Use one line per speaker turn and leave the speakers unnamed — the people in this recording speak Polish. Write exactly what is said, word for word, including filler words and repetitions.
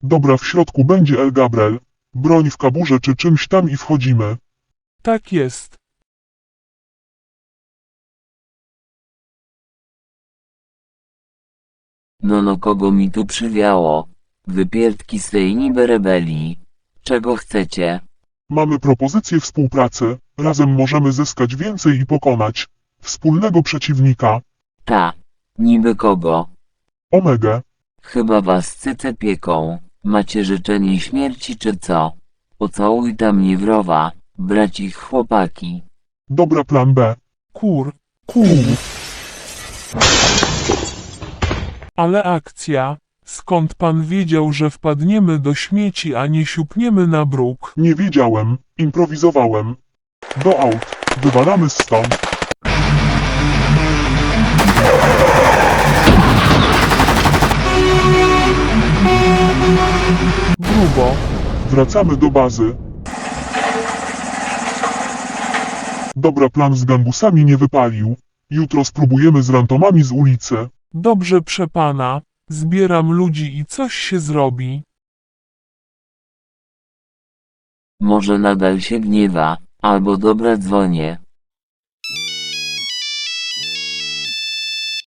Dobra, w środku będzie El Gabriel. Broń w kaburze czy czymś tam i wchodzimy.
Tak jest.
No no kogo mi tu przywiało? Wypierdki z tej niby rebelii. Czego chcecie?
Mamy propozycję współpracy. Razem możemy zyskać więcej i pokonać wspólnego przeciwnika.
Ta. Niby kogo?
Omegę.
Chyba was cyce pieką. Macie życzenie śmierci czy co? Pocałuj tam niewrowa, bracich chłopaki.
Dobra, plan B.
Kur.
Kur.
Ale akcja. Skąd pan wiedział, że wpadniemy do śmieci, a nie siupniemy na bruk?
Nie wiedziałem. Improwizowałem. Do aut. Wywalamy stąd.
Grubo.
Wracamy do bazy. Dobra, plan z gangusami nie wypalił. Jutro spróbujemy z rantomami z ulicy.
Dobrze, przepana. Zbieram ludzi i coś się zrobi.
Może nadal się gniewa, albo dobra dzwonię.